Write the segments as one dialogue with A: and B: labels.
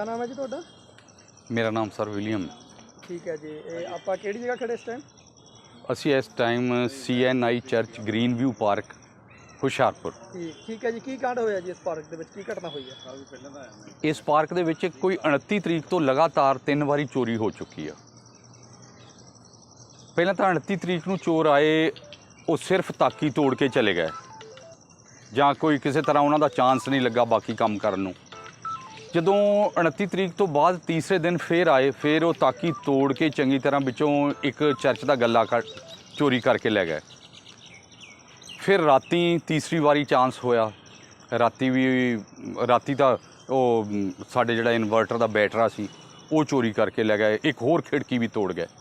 A: क्या नाम है जी ਤੁਹਾਡਾ?
B: मेरा नाम सर विलियम।
A: ठीक है जी। ਆਪਾਂ ਕਿਹੜੀ ਜਗ੍ਹਾ ਖੜੇ ਇਸ ਟਾਈਮ?
B: ਅਸੀਂ ਇਸ time CNI church green view park Hoshiarpur.
A: ਠੀਕ ਹੈ ਜੀ। ਕੀ ਕਾਂਡ ਹੋਇਆ ਜੀ ਇਸ ਪਾਰਕ ਦੇ ਵਿੱਚ, ਕੀ ਘਟਨਾ ਹੋਈ ਹੈ?
B: ਇਸ ਪਾਰਕ ਦੇ ਵਿੱਚ ਕੋਈ 29 ਤਰੀਕ ਤੋਂ ਲਗਾਤਾਰ 3 ਵਾਰੀ ਚੋਰੀ ਹੋ ਚੁੱਕੀ ਆ। ਪਹਿਲਾਂ ਤਾਂ 29 ਤਰੀਕ ਨੂੰ ਚੋਰ ਆਏ, ਉਹ ਸਿਰਫ ਤਾਕੀ ਤੋੜ ਕੇ ਚਲੇ ਗਏ ਜਾਂ ਕੋਈ ਕਿਸੇ ਤਰ੍ਹਾਂ ਉਹਨਾਂ ਦਾ ਚਾਂਸ ਨਹੀਂ ਲੱਗਾ ਬਾਕੀ ਕੰਮ ਕਰਨ ਨੂੰ। ਜਦੋਂ 29 ਤਰੀਕ ਤੋਂ ਬਾਅਦ ਤੀਸਰੇ ਦਿਨ ਫੇਰ ਆਏ, ਫਿਰ ਉਹ ਤਾਕੀ ਤੋੜ ਕੇ ਚੰਗੀ ਤਰ੍ਹਾਂ ਵਿੱਚੋਂ ਇੱਕ ਚਰਚ ਦਾ ਗੱਲਾ ਚੋਰੀ ਕਰਕੇ ਲੈ ਗਏ। ਫਿਰ ਰਾਤੀ ਤੀਸਰੀ ਵਾਰੀ ਚਾਂਸ ਹੋਇਆ। ਰਾਤੀ ਤਾਂ ਉਹ ਸਾਡੇ ਜਿਹੜਾ ਇਨਵਰਟਰ ਦਾ ਬੈਟਰਾ ਸੀ ਉਹ ਚੋਰੀ ਕਰਕੇ ਲੈ ਗਏ। ਇੱਕ ਹੋਰ ਖਿੜਕੀ ਵੀ ਤੋੜ ਗਏ।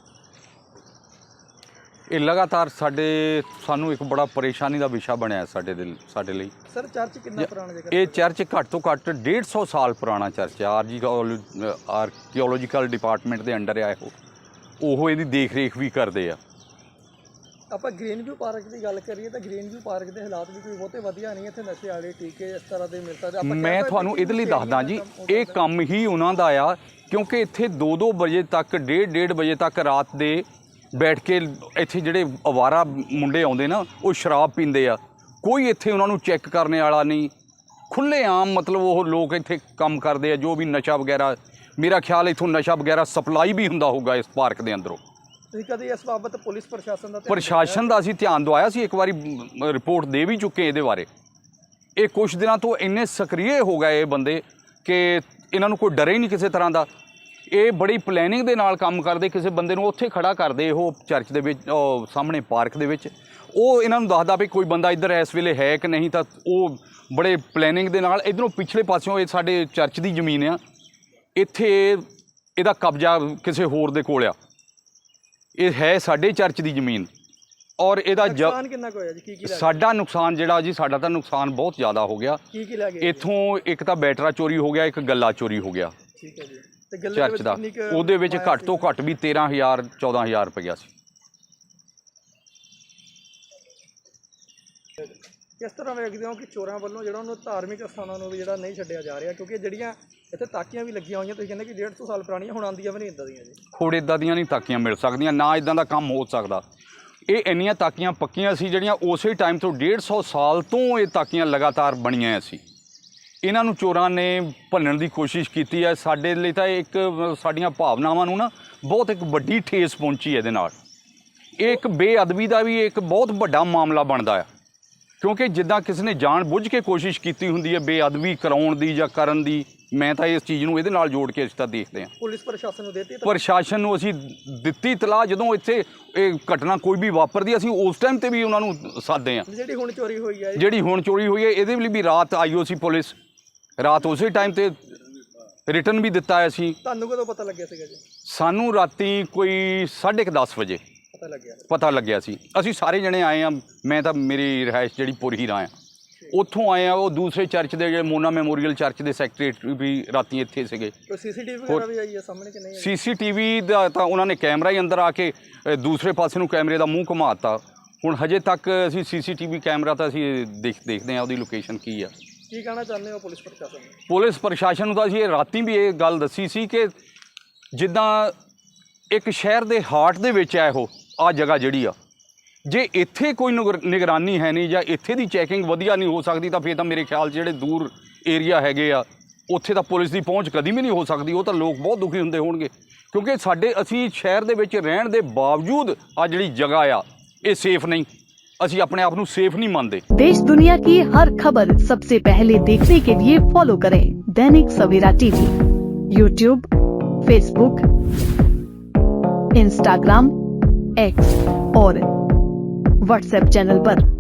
B: ਇਹ ਲਗਾਤਾਰ ਸਾਨੂੰ ਇੱਕ ਬੜਾ ਪਰੇਸ਼ਾਨੀ ਦਾ ਵਿਸ਼ਾ ਬਣਿਆ ਸਾਡੇ ਲਈ।
A: ਸਰ ਚਰਚ ਕਿੰਨਾ ਪੁਰਾਣਾ ਜਗ੍ਹਾ?
B: ਇਹ ਚਰਚ ਘੱਟ ਤੋਂ ਘੱਟ 150 ਸਾਲ ਪੁਰਾਣਾ ਚਰਚ ਹੈ। ਆਰਕੀਓਲੋਜੀਕਲ ਡਿਪਾਰਟਮੈਂਟ ਦੇ ਅੰਡਰ ਆ ਉਹ ਇਹਦੀ ਦੇਖ ਰੇਖ ਵੀ ਕਰਦੇ ਆ।
A: ਆਪਾਂ ਗ੍ਰੀਨ ਵਿਊ ਪਾਰਕ ਦੀ ਗੱਲ ਕਰੀਏ ਤਾਂ ਗ੍ਰੀਨ ਵਿਊ ਪਾਰਕ ਦੇ ਹਾਲਾਤ ਵੀ ਕੋਈ ਬਹੁਤੇ ਵਧੀਆ ਨਹੀਂ। ਇੱਥੇ ਨਸ਼ੇ ਵਾਲੇ ਟੀਕੇ ਇਸ ਤਰ੍ਹਾਂ ਦੇ ਮਿਲ ਸਕਦੇ।
B: ਮੈਂ ਤੁਹਾਨੂੰ ਇਹਦੇ ਲਈ ਦੱਸਦਾ ਜੀ, ਇਹ ਕੰਮ ਹੀ ਉਹਨਾਂ ਦਾ ਆ, ਕਿਉਂਕਿ ਇੱਥੇ 2-2 ਵਜੇ ਤੱਕ 1:30 ਵਜੇ ਤੱਕ ਰਾਤ ਦੇ ਬੈਠ ਕੇ ਇੱਥੇ ਜਿਹੜੇ ਅਵਾਰਾ ਮੁੰਡੇ ਆਉਂਦੇ ਨਾ, ਉਹ ਸ਼ਰਾਬ ਪੀਂਦੇ ਆ। ਕੋਈ ਇੱਥੇ ਉਹਨਾਂ ਨੂੰ ਚੈੱਕ ਕਰਨ ਵਾਲਾ ਨਹੀਂ। ਖੁੱਲ੍ਹੇਆਮ ਮਤਲਬ ਉਹ ਲੋਕ ਇੱਥੇ ਕੰਮ ਕਰਦੇ ਆ, ਜੋ ਵੀ ਨਸ਼ਾ ਵਗੈਰਾ। ਮੇਰਾ ਖਿਆਲ ਇੱਥੋਂ ਨਸ਼ਾ ਵਗੈਰਾ ਸਪਲਾਈ ਵੀ ਹੁੰਦਾ ਹੋਊਗਾ ਇਸ ਪਾਰਕ ਦੇ ਅੰਦਰੋਂ।
A: ਤੁਸੀਂ ਕਦੇ ਇਸ ਬਾਬਤ ਪੁਲਿਸ ਪ੍ਰਸ਼ਾਸਨ
B: ਦਾ ਅਸੀਂ ਧਿਆਨ ਦਵਾਇਆ ਸੀ, ਇੱਕ ਵਾਰੀ ਰਿਪੋਰਟ ਦੇ ਵੀ ਚੁੱਕੇ ਇਹਦੇ ਬਾਰੇ। ਇਹ ਕੁਛ ਦਿਨਾਂ ਤੋਂ ਇੰਨੇ ਸਕਰੀਏ ਹੋ ਗਏ ਇਹ ਬੰਦੇ ਕਿ ਇਹਨਾਂ ਨੂੰ ਕੋਈ ਡਰ ਹੀ ਨਹੀਂ ਕਿਸੇ ਤਰ੍ਹਾਂ ਦਾ। ਇਹ ਬੜੀ ਪਲੈਨਿੰਗ ਦੇ ਨਾਲ ਕੰਮ ਕਰਦੇ। ਕਿਸੇ ਬੰਦੇ ਨੂੰ ਉੱਥੇ ਖੜਾ ਕਰਦੇ ਉਹ ਚਰਚ ਦੇ ਵਿੱਚ, ਸਾਹਮਣੇ ਪਾਰਕ ਦੇ ਵਿੱਚ। ਉਹ ਇਹਨਾਂ ਨੂੰ ਦੱਸਦਾ ਵੀ ਕੋਈ ਬੰਦਾ ਇੱਧਰ ਇਸ ਵੇਲੇ ਹੈ ਕਿ ਨਹੀਂ, ਤਾਂ ਉਹ ਬੜੇ ਪਲੈਨਿੰਗ ਦੇ ਨਾਲ ਇੱਧਰੋਂ ਪਿਛਲੇ ਪਾਸਿਓਂ, ਇਹ ਸਾਡੇ ਚਰਚ ਦੀ ਜ਼ਮੀਨ ਆ, ਇੱਥੇ ਇਹਦਾ ਕਬਜ਼ਾ ਕਿਸੇ ਹੋਰ ਦੇ ਕੋਲ ਆ। ਇਹ ਹੈ ਸਾਡੇ ਚਰਚ ਦੀ ਜ਼ਮੀਨ। ਔਰ ਇਹਦਾ
A: ਨੁਕਸਾਨ ਕਿੰਨਾ ਕੁ ਹੋਇਆ ਜੀ? ਕੀ
B: ਸਾਡਾ ਨੁਕਸਾਨ ਜਿਹੜਾ ਜੀ, ਸਾਡਾ ਤਾਂ ਨੁਕਸਾਨ ਬਹੁਤ ਜ਼ਿਆਦਾ ਹੋ ਗਿਆ।
A: ਕੀ ਲੈ ਗਏ?
B: ਇੱਥੋਂ ਇੱਕ ਤਾਂ ਬੈਟਰਾ ਚੋਰੀ ਹੋ ਗਿਆ, ਇੱਕ ਗੱਲਾ ਚੋਰੀ ਹੋ ਗਿਆ।
A: ਠੀਕ ਹੈ ਜੀ।
B: ਚਰਚ ਦਾ ਉਹਦੇ ਵਿੱਚ ਘੱਟ ਤੋਂ ਘੱਟ ਵੀ 13,000-14,000 ਰੁਪਇਆ ਸੀ।
A: ਕਿਸ ਤਰ੍ਹਾਂ ਵੇਖਦੇ ਹੋ ਕਿ ਚੋਰਾਂ ਵੱਲੋਂ ਜਿਹੜਾ ਉਹਨੂੰ ਧਾਰਮਿਕ ਸਥਾਨਾਂ ਨੂੰ ਵੀ ਜਿਹੜਾ ਨਹੀਂ ਛੱਡਿਆ ਜਾ ਰਿਹਾ? ਕਿਉਂਕਿ ਜਿਹੜੀਆਂ ਇੱਥੇ ਤਾਕੀਆਂ ਵੀ ਲੱਗੀਆਂ ਹੋਈਆਂ, ਤੁਸੀਂ ਕਹਿੰਦੇ ਕਿ 150 ਸਾਲ ਪੁਰਾਣੀਆਂ, ਹੁਣ ਆਉਂਦੀਆਂ ਵੀ ਨਹੀਂ ਇੱਦਾਂ ਦੀਆਂ ਜੀ।
B: ਹੁਣ ਇੱਦਾਂ ਦੀਆਂ ਨਹੀਂ ਤਾਕੀਆਂ ਮਿਲ ਸਕਦੀਆਂ, ਨਾ ਇੱਦਾਂ ਦਾ ਕੰਮ ਹੋ ਸਕਦਾ। ਇਹ ਇੰਨੀਆਂ ਤਾਕੀਆਂ ਪੱਕੀਆਂ ਸੀ ਜਿਹੜੀਆਂ ਉਸੇ ਟਾਈਮ ਤੋਂ 150 ਸਾਲ ਤੋਂ ਇਹ ਤਾਕੀਆਂ ਲਗਾਤਾਰ ਬਣੀਆਂ ਸੀ। ਇਹਨਾਂ ਨੂੰ ਚੋਰਾਂ ਨੇ ਭੰਨਣ ਦੀ ਕੋਸ਼ਿਸ਼ ਕੀਤੀ ਹੈ। ਸਾਡੇ ਲਈ ਤਾਂ ਇੱਕ ਸਾਡੀਆਂ ਭਾਵਨਾਵਾਂ ਨੂੰ ਨਾ ਬਹੁਤ ਇੱਕ ਵੱਡੀ ਠੇਸ ਪਹੁੰਚੀ ਇਹਦੇ ਨਾਲ। ਇਹ ਇੱਕ ਬੇਅਦਬੀ ਦਾ ਵੀ ਇੱਕ ਬਹੁਤ ਵੱਡਾ ਮਾਮਲਾ ਬਣਦਾ ਆ, ਕਿਉਂਕਿ ਜਿੱਦਾਂ ਕਿਸੇ ਨੇ ਜਾਣ ਬੁੱਝ ਕੇ ਕੋਸ਼ਿਸ਼ ਕੀਤੀ ਹੁੰਦੀ ਹੈ ਬੇਅਦਬੀ ਕਰਾਉਣ ਦੀ ਜਾਂ ਕਰਨ ਦੀ। ਮੈਂ ਤਾਂ ਇਸ ਚੀਜ਼ ਨੂੰ ਇਹਦੇ ਨਾਲ ਜੋੜ ਕੇ ਰਿਸ਼ਤਾ ਦੇਖਦੇ ਹਾਂ।
A: ਪੁਲਿਸ ਪ੍ਰਸ਼ਾਸਨ ਨੂੰ ਦਿੱਤੀ?
B: ਪ੍ਰਸ਼ਾਸਨ ਨੂੰ ਅਸੀਂ ਦਿੱਤੀ ਇਤਲਾਹ। ਜਦੋਂ ਇੱਥੇ ਇਹ ਘਟਨਾ ਕੋਈ ਵੀ ਵਾਪਰਦੀ, ਅਸੀਂ ਉਸ ਟਾਈਮ 'ਤੇ ਵੀ ਉਹਨਾਂ ਨੂੰ ਸੱਦਦੇ ਹਾਂ।
A: ਜਿਹੜੀ ਹੁਣ ਚੋਰੀ ਹੋਈ ਹੈ
B: ਇਹਦੇ ਲਈ ਵੀ ਰਾਤ IOC ਪੁਲਿਸ ਰਾਤ ਉਸੇ ਟਾਈਮ 'ਤੇ ਰਿਟਰਨ ਵੀ ਦਿੱਤਾ ਹੈ ਅਸੀਂ।
A: ਤੁਹਾਨੂੰ ਕਦੋਂ ਪਤਾ ਲੱਗਿਆ ਸੀਗਾ ਜੀ?
B: ਸਾਨੂੰ ਰਾਤੀ ਕੋਈ 10:30 ਵਜੇ ਪਤਾ ਲੱਗਿਆ ਸੀ। ਅਸੀਂ ਸਾਰੇ ਜਣੇ ਆਏ ਹਾਂ। ਮੈਂ ਤਾਂ ਮੇਰੀ ਰਿਹਾਇਸ਼ ਜਿਹੜੀ ਪੁਰਹੀਰਾ ਆ, ਉੱਥੋਂ ਆਏ ਆ। ਉਹ ਦੂਸਰੇ ਚਰਚ ਦੇ ਜਿਹੜੇ ਮੋਨਾ ਮੈਮੋਰੀਅਲ ਚਰਚ ਦੇ ਸੈਕਟਰੀ ਵੀ ਰਾਤੀ ਇੱਥੇ ਸੀਗੇ।
A: CCTV ਵਗੈਰਾ ਵੀ ਆਈ ਹੈ ਸਾਹਮਣੇ ਕਿ ਨਹੀਂ?
B: CCTV ਦਾ ਤਾਂ ਉਹਨਾਂ ਨੇ ਕੈਮਰਾ ਹੀ ਅੰਦਰ ਆ ਕੇ ਦੂਸਰੇ ਪਾਸੇ ਨੂੰ ਕੈਮਰੇ ਦਾ ਮੂੰਹ ਘੁਮਾਤਾ। ਹੁਣ ਹਜੇ ਤੱਕ ਅਸੀਂ CCTV ਕੈਮਰਾ ਤਾਂ ਅਸੀਂ ਦੇਖਦੇ ਹਾਂ ਉਹਦੀ ਲੋਕੇਸ਼ਨ ਕੀ ਆ।
A: ਕੀ ਕਹਿਣਾ ਚਾਹੁੰਦੇ ਹੋ ਪੁਲਿਸ ਪ੍ਰਸ਼ਾਸਨ ਨੂੰ?
B: ਪੁਲਿਸ ਪ੍ਰਸ਼ਾਸਨ ਨੂੰ ਤਾਂ ਅਸੀਂ ਰਾਤੀ ਵੀ ਇਹ ਗੱਲ ਦੱਸੀ ਸੀ ਕਿ ਜਿੱਦਾਂ ਇੱਕ ਸ਼ਹਿਰ ਦੇ ਹਾਰਟ ਦੇ ਵਿੱਚ ਆ ਆਹ ਜਗ੍ਹਾ ਜਿਹੜੀ ਆ, ਜੇ ਇੱਥੇ ਕੋਈ ਨਿਗਰਾਨੀ ਹੈ ਨਹੀਂ ਜਾਂ ਇੱਥੇ ਦੀ ਚੈਕਿੰਗ ਵਧੀਆ ਨਹੀਂ ਹੋ ਸਕਦੀ, ਤਾਂ ਫਿਰ ਤਾਂ ਮੇਰੇ ਖਿਆਲ ਜਿਹੜੇ ਦੂਰ ਏਰੀਆ ਹੈਗੇ ਆ ਉੱਥੇ ਤਾਂ ਪੁਲਿਸ ਦੀ ਪਹੁੰਚ ਕਦੀ ਵੀ ਨਹੀਂ ਹੋ ਸਕਦੀ। ਉਹ ਤਾਂ ਲੋਕ ਬਹੁਤ ਦੁਖੀ ਹੁੰਦੇ ਹੋਣਗੇ, ਕਿਉਂਕਿ ਅਸੀਂ ਸ਼ਹਿਰ ਦੇ ਵਿੱਚ ਰਹਿਣ ਦੇ ਬਾਵਜੂਦ ਆ ਜਿਹੜੀ ਜਗ੍ਹਾ ਆ ਇਹ ਸੇਫ नहीं। ਅਸੀਂ अपने आप ਨੂੰ सेफ नहीं मानते।
C: देश दुनिया की हर खबर सबसे पहले देखने के लिए फॉलो करें Dainik Savera TV, YouTube, Facebook, Instagram, X और WhatsApp चैनल पर।